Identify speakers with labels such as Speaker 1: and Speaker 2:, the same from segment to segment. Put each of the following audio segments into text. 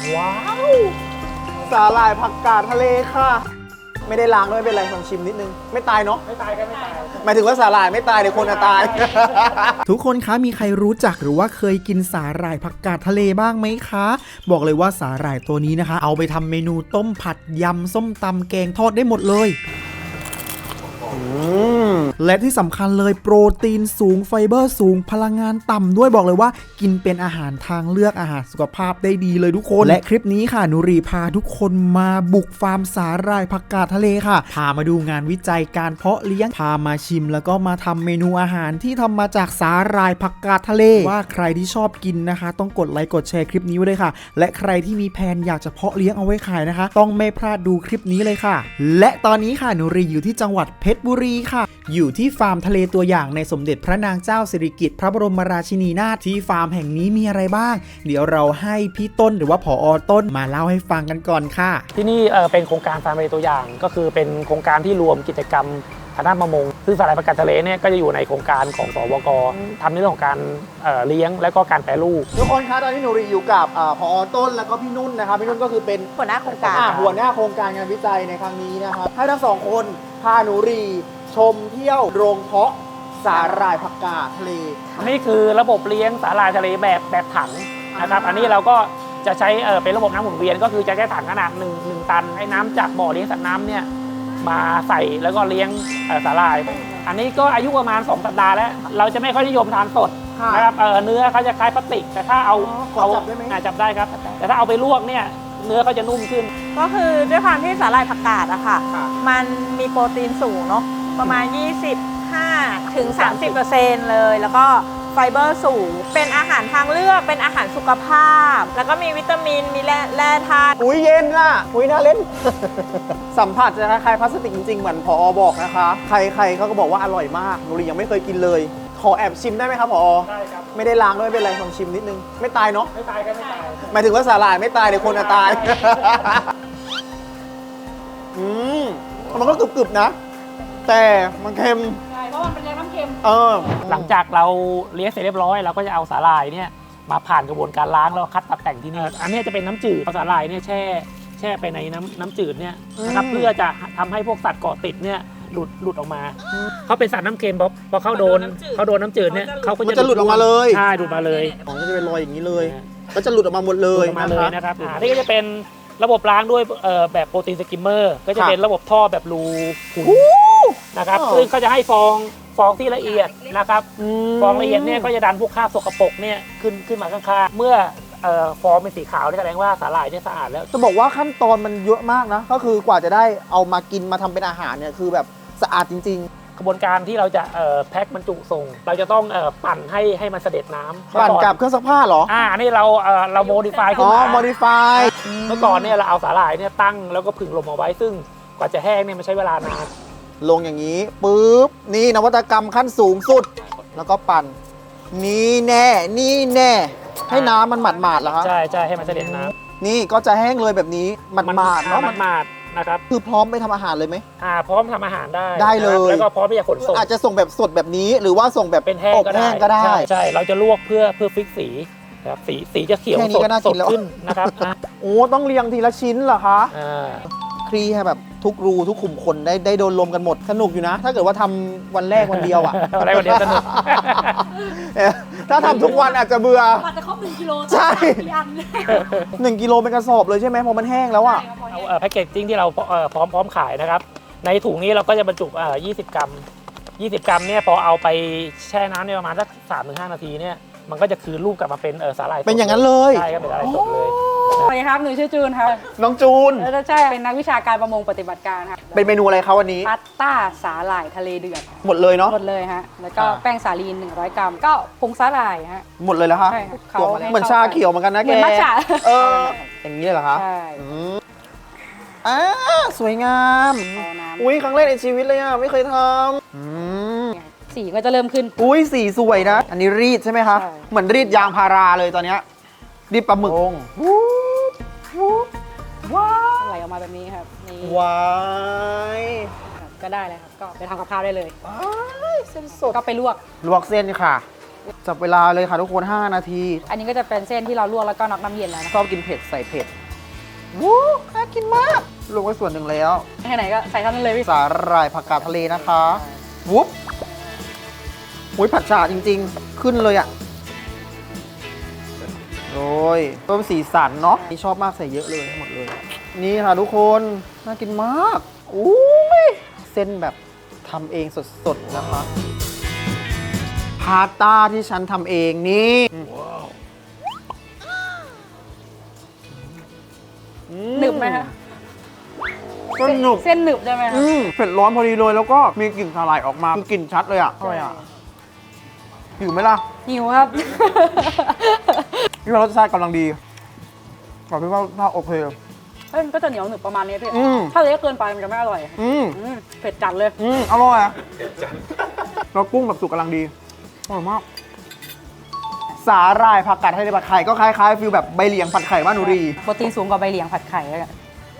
Speaker 1: ว้าวสาหร่ายผักกาดทะเลค่ะไม่ได้ล้างด้วยเป็นไรลองชิมนิดนึงไม่ตายเนาะไม่ตายก็ไม่ตายหมายถึงว่าสาหร่ายไม่ตายเดี๋ยวคนจะตาย
Speaker 2: ทุกคนคะมีใครรู้จักหรือว่าเคยกินสาหร่ายผักกาดทะเลบ้างไหมคะ บอกเลยว่าสาหร่ายตัวนี้นะคะเอาไปทำเมนูต้มผัดยำส้มตำแกงทอดได้หมดเลยและที่สำคัญเลยโปรตีนสูงไฟเบอร์สูงพลังงานต่ำด้วยบอกเลยว่ากินเป็นอาหารทางเลือกอาหารสุขภาพได้ดีเลยทุกคนและคลิปนี้ค่ะนุรีพาทุกคนมาบุกฟาร์มสาหร่ายผักกาดทะเลค่ะพามาดูงานวิจัยการเพาะเลี้ยงพามาชิมแล้วก็มาทำเมนูอาหารที่ทำมาจากสาหร่ายผักกาดทะเลว่าใครที่ชอบกินนะคะต้องกดไลค์กดแชร์คลิปนี้ไว้เลยค่ะและใครที่มีแผนอยากจะเพาะเลี้ยงเอาไว้ขายนะคะต้องไม่พลาดดูคลิปนี้เลยค่ะและตอนนี้ค่ะนุรีอยู่ที่จังหวัดเพชรบุรีค่ะอยู่ที่ฟาร์มทะเลตัวอย่างในสมเด็จพระนางเจ้าสิริกิติ์พระบรมราชินีนาถที่ฟาร์มแห่งนี้มีอะไรบ้างเดี๋ยวเราให้พี่ต้นหรือว่าผอ.ต้นมาเล่าให้ฟังกันก่อนค่ะ
Speaker 3: ที่นี่เป็นโครงการฟาร์มทะเลตัวอย่างก็คือเป็นโครงการที่รวมกิจกรรมทางด้านประมงซึ่งสาหร่ายผักกาดทะเลเนี่ยก็จะอยู่ในโครงการของสวก.ทำในเรื่องของการเลี้ยงและก็การแปรรูป
Speaker 1: ทุกคนคะตอนนี้หนูรีอยู่กับผอ.ต้นแล้วก็พี่นุ่นนะครับพี่นุ่นก็คือเป็น
Speaker 4: หัวหน้าโครงการ
Speaker 1: หัวหน้าโครงการงานวิจัยในครั้งนี้นะครับให้ทั้งสองคนพาหนูรีชมเที่ยวโรงเพาะสาหร่ายผักกาดทะเล
Speaker 3: นี่คือระบบเลี้ยงสาหร่ายทะเลแบบถังนะครับอันนี้เราก็จะใช้เป็นระบบน้ำหมุนเวียนก็คือจะใช้ถังขนาด1 ตันให้น้ำจากบ่อเลี้ยงสัตว์น้ำเนี่ยมาใส่แล้วก็เลี้ยงสาหร่ายอันนี้ก็อายุประมาณ2 สัปดาห์แล้วเราจะไม่ค่อยนิยมทานสดนะครับเนื้อเขาจะคล้ายพลาสติกแต่ถ้าเอา
Speaker 1: จับได้ไหม
Speaker 3: จับได้ครับแต่ถ้าเอาไปลวกเนี่ยเนื้อเขาจะนุ่มขึ้น
Speaker 4: ก็คือด้วยความที่สาหร่ายผักกาดอะค่ะมันมีโปรตีนสูงเนาะประมาณ25 ถึง 30% เลยแล้วก็ไฟเบอร์สูงเป็นอาหารทางเลือกเป็นอาหารสุขภาพแล้วก็มีวิตามินมีแร่ธาตุ
Speaker 1: อุ้ยเย็นล่ะอุ้ยน่าเล่น สัมผัสจะคล้ายพลาสติกจริงๆเหมือนผอ.บอกนะคะใครเขาก็บอกว่าอร่อยมากหนูรียังไม่เคยกินเลยขอแอบชิมได้ไหมครับผอ.
Speaker 3: ได้ครับ
Speaker 1: ไม่ได้ล้างด้วยเป็นไรลองชิมนิดนึงไม่ตายเนาะ
Speaker 3: ไม่ตายก็ไม่ตาย
Speaker 1: หมายถึงว่าสาหร่ายไม่ตายเดี๋ยวคนจะตายมันก็กรึบๆนะแต่มันเค็ม
Speaker 4: ใช่เพราะมันเป็นน้ำเค็ม
Speaker 3: หลังจากเราเลี้ยงเสร็จเรียบร้อยเราก็จะเอาสาหร่ายเนี่ยมาผ่านกระบวนการล้างแล้วคัดตัดแต่งที่นี่อันนี้จะเป็นน้ำจืดเอาสาหร่ายเนี่ยแช่ไปในน้ำจืดเนี่ยนะครับเพื่อจะทำให้พวกสัตว์เกาะติดเนี่ยหลุดออกมาเขาเป็นสัตว์น้ำเค็มพอเขาโดนน้ำจืดเนี่ยเขาก็
Speaker 1: จะหลุดออกมาเลย
Speaker 3: ใช่หลุดมาเลย
Speaker 1: ของก็จะเป็นรอยอย่างนี้เลยก็จะหลุดออกมาหมดเลย
Speaker 3: นะครับนี่ก็จะเป็นระบบล้างด้วยแบบโปรตีนสกิมเมอร์ก็จะเป็นระบบท่อแบบรูขุ่นนะครับซึ่งเขาจะให้ฟองที่ละเอียดนะครับฟองละเอียดเนี่ยก็จะดันพวกคราบสกปรกเนี่ยขึ้นมาข้างๆเมื่อฟองเป็นสีขาวนี่แสดงว่าสาหร่ายเนี่ยสะอาดแล้ว
Speaker 1: จะบอกว่าขั้นตอนมันเยอะมากนะก็คือกว่าจะได้เอามากินมาทำเป็นอาหารเนี่ยคือแบบสะอาดจริงๆ
Speaker 3: กระบวนการที่เราจะแพ็คบรรจุส่งเราจะต้องปั่นให้มันเสด็จน้ำ
Speaker 1: ปั่นกับเครื่องซักผ้าเหรอ
Speaker 3: นี่เราโมดิฟายขึ้นมา
Speaker 1: โมดิฟาย
Speaker 3: เมื่อก่อนเนี่ยเราเอาสาหร่ายเนี่ยตั้งแล้วก็ผึ่งลมเอาไว้ซึ่งกว่าจะแห้งเนี่ยมันใช้เวลานาน
Speaker 1: ลงอย่างนี้ปุ๊บนี่นวัตกรรมขั้นสูงสุดแล้วก็ปั่นนี่แน่ให้น้ำมันหมาดๆเหรอครับ
Speaker 3: ใช่ให้มันเสด็จน้
Speaker 1: ำนี่ก็จะแห้งเลยแบบนี้หมาดๆเนาะ
Speaker 3: หมาดนะครับ
Speaker 1: คือพร้อมไปทำอาหารเลยไหม
Speaker 3: พร้อมทำอาหาร
Speaker 1: ได้เลย
Speaker 3: แล้วก็พร้อมที่จะขนส่ง
Speaker 1: อาจจะส่งแบบสดแบบนี้หรือว่าส่งแบบ
Speaker 3: เป็นแห้งก็ได้ใช่เราจะลวกเพื่อฟิกสีครับสีจะเขียวสดขึ้นนะครับ
Speaker 1: โอ้ต้องเรียงทีละชิ้นเหรอคะคลี่ให้แบบทุกรูทุกขุมขนได้โดนลมกันหมดสนุกอยู่นะถ้าเกิดว่าทำวันแรกวันเดียวอ่ะ
Speaker 3: วันแรกวันเดียวสนุก
Speaker 1: ถ้าทำทุกวันอาจจะเบื่อ
Speaker 4: อาจจะครบ1 กิโล
Speaker 1: ใช่1 กิโลเป็นกระสอบเลยใช่ไหมพอมันแห้งแล้วอ่ะ
Speaker 3: เอาแพ็กเกจจิ้งที่เราพร้อมขายนะครับในถุงนี้เราก็จะบรรจุ20 กรัมเนี่ยพอเอาไปแช่น้ำในประมาณสัก 3-5 นาทีเนี่ยมันก็จะคืนรูปกลับมาเป็นสาหร่าย
Speaker 1: เป็นอย่างนั้นเลย
Speaker 3: ใช่ครับเป็นสาหร่ายสดเลย
Speaker 4: สวัสดีครับหนูชื่อจูนครับ
Speaker 1: น้องจูน
Speaker 4: ใช่เป็นนักวิชาการประมงปฏิบัติการครับ
Speaker 1: เป็นเมนูอะไรครับวันนี้
Speaker 4: พาสต้าสาหร่ายทะเลเดือด
Speaker 1: หมดเลยเนาะ
Speaker 4: หมดเลยฮะแล้วก็แป้งสาลีน100 กรัมก็ผงสาหร่ายฮะ
Speaker 1: หมดเลยแล้วคะเหมือนชาเขียวเหมือนกันนะแกเหมื
Speaker 4: อนมัทฉะ
Speaker 1: อย่างนี้เหรอคะ
Speaker 4: ใช่
Speaker 1: สวยงามอุ้ยครั้งแรกในชีวิตเลยอ่ะไม่เคยทำ
Speaker 4: สีก็จะเริ่มขึ้น
Speaker 1: อุ้ยสีสวยนะอันนี้รีดใช่ไหมคะเหมือนรีดยางพาราเลยตอนนี้รีดปลาหมึก
Speaker 4: ว้าวไหลออกมาแบบนี้ครับนี่
Speaker 1: ว้าย
Speaker 4: ก็ได้เลยครับก็ไปทำกับข้าวได้เลย
Speaker 1: เส้นสด
Speaker 4: ก็ไปลวก
Speaker 1: เส้นค่ะจับเวลาเลยค่ะทุกคน5 นาที
Speaker 5: อันนี้ก็จะเป็นเส้นที่เราลวกแล้วก็น็อกน้ำเย็นแล้วนะ
Speaker 1: ชอบกินเผ็ดใส่เผ็ดวู้น่ากินมากลงไว้ส่วนหนึ่งแล้ว
Speaker 5: แค่ไหนก็ใส่เท่านั้นเลยพี่
Speaker 1: สาหร่ายผักกาดทะเลนะคะวุ๊บหุยผัดฉ่าจริงๆ ขึ้นเลยอ่ะโรยเพิ่มสีสันเนาะนี่ชอบมากใส่เยอะเลยหมดเลย นี่ค่ะทุกคนน่ากินมากอุ้ยเส้นแบบทำเองสดๆนะคะพาสต้าที่ฉันทำเองนี่
Speaker 5: หนึบไหมคะ
Speaker 1: ก็หนุบ
Speaker 5: เส้นหนึบได้ไหมคะ
Speaker 1: เผ็ดร้อนพอดีเลยแล้วก็มีกลิ่นสาหร่ายออกมาคือกลิ่นชัดเลยอ่ะอร่อยอ่ะหิวไหมล่ะ
Speaker 5: หิวครับ
Speaker 1: พี่ว่ารสชาติกำลังดีขอพี่ว่าถ้าโอเค
Speaker 5: เฮ้ยมันก็จะเหนียวหนึบประมาณนี้พี่
Speaker 1: อืม
Speaker 5: ถ้าเละเกินไปมันจะไม่อร่อย
Speaker 1: อืม
Speaker 5: เผ็ดจัดเลย
Speaker 1: อร่อยอ่ะแล้วกุ้งแบบสุกกำลังดีอร่อยมากสาหร่ายผักกาดทะเลผัดไข่ก็คล้ายๆฟิลแบบใบเหลียงผัดไข่บ้านหนูรี
Speaker 5: โปรตีนสูงกว่าใบเหลียงผัดไข่เลยอะ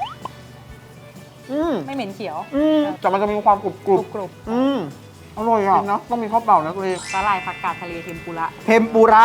Speaker 1: อืม
Speaker 5: ไม่เหม็นเขียว
Speaker 1: แต่มันจะมีความกรุบ
Speaker 5: กรุบ
Speaker 1: อร่อยอ่ะนะต้องมีข้าวเปล่านะตัวเอง
Speaker 5: สาหร่ายผักกาดทะเลเทมปุระ
Speaker 1: เทมปุระ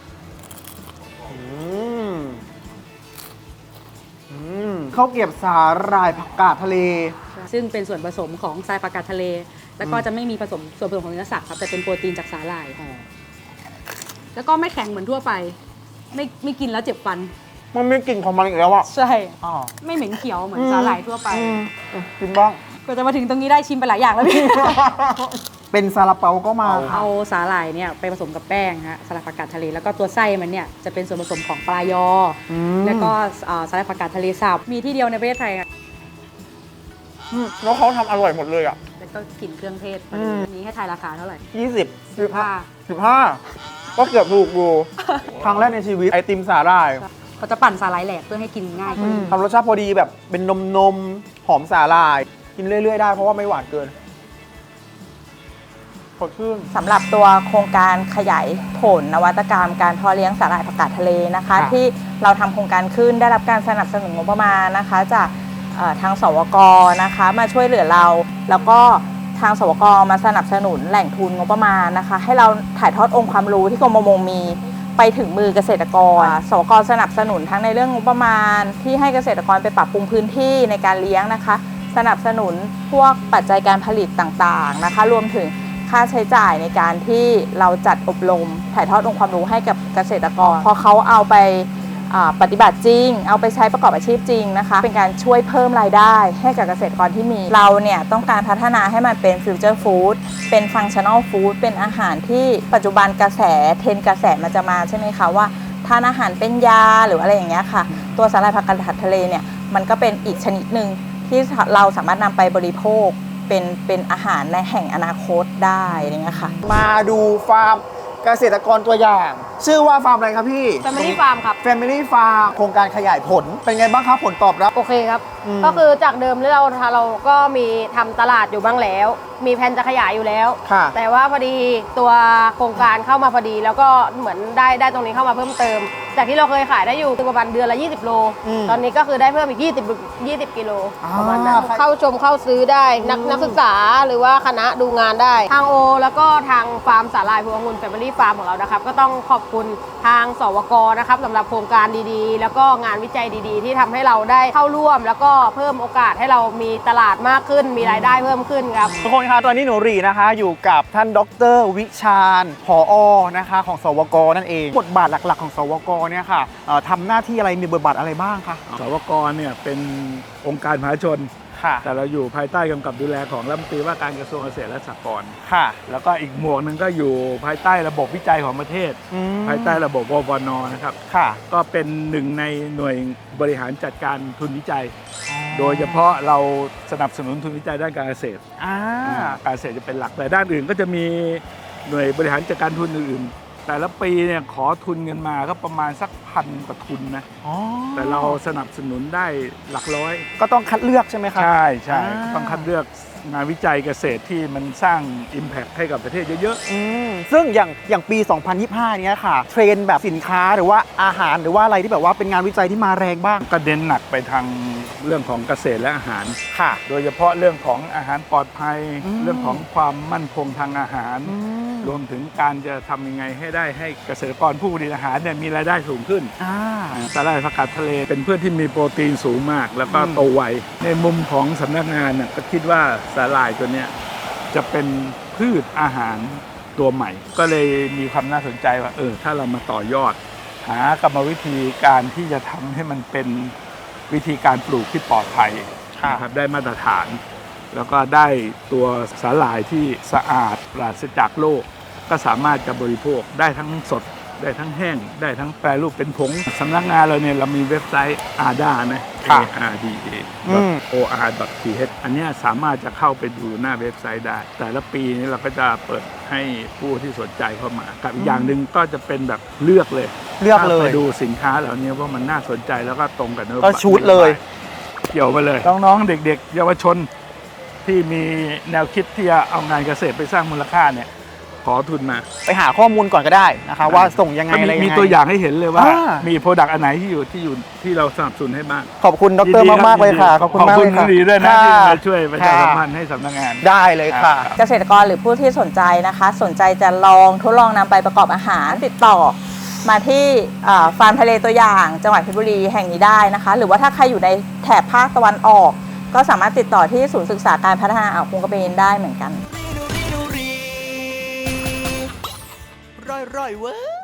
Speaker 1: ข้าวเกรียบสาหร่ายผักกาดทะเล
Speaker 5: ซึ่งเป็นส่วนผสมของทรายผักกาดทะเล แล้วก็จะไม่มีผสมส่วนผสมของเนื้อสัตว์ครับแต่เป็นโปรตีนจากสาหร่ายแล้วก็ไม่แข็งเหมือนทั่วไป ไม่กินแล้วเจ็บฟัน
Speaker 1: มันมีกลิ่นของมันอีกแล้วอ่ะ
Speaker 5: ใช่
Speaker 1: อ๋อ
Speaker 5: ไม่เหม็นเขียวเหมือนสาหร่ายทั่วไป
Speaker 1: กินบ้าง
Speaker 5: ก็จะมาถึงตรงนี้ได้ชิมไปหลายอย่างแล้วพี่
Speaker 1: เป็นซาลาเปาก็มาค่ะ
Speaker 5: เอาสาหร่ายเนี่ยไปผสมกับแป้งฮะสาหร่ายผักกาดทะเลแล้วก็ตัวไส้มันเนี่ยจะเป็นส่วนผสมของปลายอแล้วก็สาหร่ายผักกาดทะเลสับมีที่เดียวในประเทศไทยอะ
Speaker 1: แล้วเขาทำอร่อยหมดเลยอ่ะ
Speaker 5: แล้วก็กลิ่นเครื่องเทศนี้ให้ทายราคาเท่าไหร่
Speaker 1: 20
Speaker 5: 15
Speaker 1: 15ก็เกือบถูกอยู่ ครั้งแรกในชีวิตไอติมสาหร่าย
Speaker 5: เขาจะปั่นสาหร่ายแหลกเพื่อให้กินง่ายขึ้น
Speaker 1: ทำรสชาติพอดีแบบเป็นนมหอมสาหร่าย กินเรื่อยๆได้เพราะว่าไม่หวานเกินสดชื่น
Speaker 4: สำหรับตัวโครงการขยายผลนวัตกรรมการเพาะเลี้ยงสาหร่ายผักกาดทะเลนะคะ
Speaker 1: ค่ะ
Speaker 4: ที่เราทำโครงการขึ้นได้รับการสนับสนุนงบประมาณนะคะจากทางสวกนะคะมาช่วยเหลือเรา แล้วก็ทางสวกมาสนับสนุนแหล่งทุนงบประมาณนะคะ ให้เราถ่ายทอดองค์ความรู้ที่กรมประมงมีไปถึงมือเกษตรกรสวกสนับสนุนทั้งในเรื่องงบประมาณที่ให้เกษตรกรไปปรับปรุงพื้นที่ในการเลี้ยงนะคะ สนับสนุนพวกปัจจัยการผลิตต่างๆนะคะรวมถึงค่าใช้จ่ายในการที่เราจัดอบรมถ่ายทอดองค์ความรู้ให้กับเกษตรกรพอเขาเอาไปปฏิบัติจริงเอาไปใช้ประกอบอาชีพจริงนะคะเป็นการช่วยเพิ่มรายได้ให้กับเกษตรกรที่มีเราเนี่ยต้องการพัฒนาให้มันเป็นฟิวเจอร์ฟู้ดเป็นฟังชั่นอลฟู้ดเป็นอาหารที่ปัจจุบันกระแสเทรนด์กระแสมันจะมาใช่ไหมคะว่าทานอาหารเป็นยาหรืออะไรอย่างเงี้ยค่ะตัวสาหร่ายผักกาดทะเลเนี่ยมันก็เป็นอีกชนิดหนึ่งที่เราสามารถนำไปบริโภคเป็นอาหารในแห่งอนาคตได้อะไรเงี้ยค่ะ
Speaker 1: มาดูฟาร์มเกษตรกรตัวอย่าง ชื่อว่าฟาร์มอะไรครับพี่
Speaker 6: Family Farm ครับ
Speaker 1: Family Farm โครงการขยายผลเป็นไงบ้างครับผลตอบรับ
Speaker 6: โอเคครับ ก็คือจากเดิมที่เราก็มีทำตลาดอยู่บ้างแล้ว มีแผนจะขยายอยู่แล้ว
Speaker 1: ค่ะ
Speaker 6: แต่ว่าพอดีตัวโครงการเข้ามาพอดี แล้วก็เหมือนได้ตรงนี้เข้ามาเพิ่มเติม จากที่เราเคยขายได้อยู่ประมาณเดือนละ20 โล ตอนนี้ก็คือได้เพิ่มอีก20 กิโลประมาณนั้นเข้าชมเข้าซื้อได้นักศึกษาหรือว่าคณะดูงานได้ ทางโอ แล้วก็ทางฟาร์มสาหร่ายพวงองุ่น Family Farm ของเรานะครับก็ต้องขอบคุณทางสวกนะครับสำหรับโครงการดีๆ แล้วก็งานวิจัยดีๆ ที่ทำให้เราได้เข้าร่วม แล้วก็เพิ่มโอกาสให้เรามีตลาดมากขึ้น มีรายได้เพิ่มขึ้นครับ
Speaker 1: ทุกคนคะตอนนี้หนูรีนะคะอยู่กับท่านดร.วิชาญผอ.นะคะของสวกนั่นเองบทบาทหลักๆของสวกเนี่ยค่ะทำหน้าที่อะไรมีบทบาทอะไรบ้างคะ
Speaker 7: สวกเนี่ยเป็นองค์การมหาชน
Speaker 1: ค่ะ
Speaker 7: แต่เราอยู่ภายใต้กำกับดูแลของรัฐมนตรีว่าการกระทรวงเกษตรและสหกรณ์
Speaker 1: ค่ะ
Speaker 7: แล้วก็อีกหมวกหนึ่งก็อยู่ภายใต้ระบบวิจัยของประเทศ ภายใต้ระบบววนนะครับ
Speaker 1: ค่ะ
Speaker 7: ก็เป็นหนึ่งในหน่วยบริหารจัดการทุนวิจัย โดยเฉพาะเราสนับสนุนทุนวิจัยด้านการเกษตร การเกษตรจะเป็นหลักแต่ด้านอื่นก็จะมีหน่วยบริหารจัดการทุนอื่นๆแต่ละปีเนี่ยขอทุนเงินมาก็ประมาณสัก1,000 กว่าทุนนะแต่เราสนับสนุนได้หลักร้อย
Speaker 1: ก็ต้องคัดเลือกใช่ไหมครับ
Speaker 7: ใช่ต้องคัดเลือกงานวิจัยเกษตรที่มันสร้าง Impact ให้กับประเทศเยอะ
Speaker 1: ซึ่งอย่างปี 2025 เนี้ยค่ะ เทรนด์แบบสินค้าหรือว่าอาหารหรือว่าอะไรที่แบบว่าเป็นงานวิจัยที่มาแรงบ้าง
Speaker 7: ๆ ก็เน้นหนักไปทางเรื่องของเกษตรและอาหาร
Speaker 1: ค่ะ
Speaker 7: โดยเฉพาะเรื่องของอาหารปลอดภัย เรื่องของความมั่นคงทางอาหารรวมถึงการจะทำยังไงให้ได้ให้เกษตรกรผู้ผลิตอาหารเนี่ยมีรายได้สูงขึ้นสาหร่ายผักกาดทะเลเป็นพืชที่มีโปรตีนสูงมาก แล้วก็โตไวในมุมของสำนักงานน่ะก็คิดว่าสาหร่ายตัวเนี้ยจะเป็นพืชอาหารตัวใหม่ ก็เลยมีความน่าสนใจว่าถ้าเรามาต่อยอด หากรรมวิธีการที่จะทำให้มันเป็นวิธีการปลูกที่ปลอดภัยนะครับได้มาตรฐาน แล้วก็ได้ตัวสาหร่ายที่สะอาดปราศจากโรคก็สามารถจะบริโภคได้ทั้งสดได้ทั้งแห้งได้ทั้งแปรรูปเป็นผงสำนักงานเราเนี่ยเรามีเว็บไซต์ ARDA นะ arda.or.th อันนี้สามารถจะเข้าไปดูหน้าเว็บไซต์ได้ แต่ละปีนี้เราก็จะเปิดให้ผู้ที่สนใจเข้ามากับอีกอย่างหนึ่งก็จะเป็นแบบเลือกเลยไปดูสินค้าเหล่านี้ว่ามันน่าสนใจแล้วก็ตรงกับนโยบาย
Speaker 1: ก็ชูดเลย
Speaker 7: เกี่ยวไปเลยน้องๆเด็กๆเยาวชนที่มีแนวคิดที่จะเอางานเกษตรไปสร้างมูลค่าเนี่ยขอทุนมา
Speaker 1: ไปหาข้อมูลก่อนก็ได้นะคะว่าส่งยังไงอะไรยังไง
Speaker 7: มีตัวอย่างให้เห็นเลยว่ามีโปรดักต์อันไหนที่เราสนับสนุนให้บ้าง
Speaker 1: ขอบคุณดรมากๆเลยค่ะขอบคุณมากเลยค่ะ
Speaker 7: ดีด้วยนะที่มาช่วยประชาสัมพันธ์ให้สำนักงาน
Speaker 1: ได้เลยค่ะ
Speaker 4: เกษตรกรหรือผู้ที่สนใจนะคะ สนใจจะทดลองนำไปประกอบอาหารติดต่อมาที่ฟาร์มทะเลตัวอย่างจังหวัดเพชรบุรีแห่งนี้ได้นะคะ หรือว่าถ้าใครอยู่ในแถบภาคตะวันออกก็สามารถติดต่อที่ศูนย์ศึกษาการพัฒนาอ่าวคงกระเบนได้เหมือนกัน
Speaker 2: ร่อยเว้ย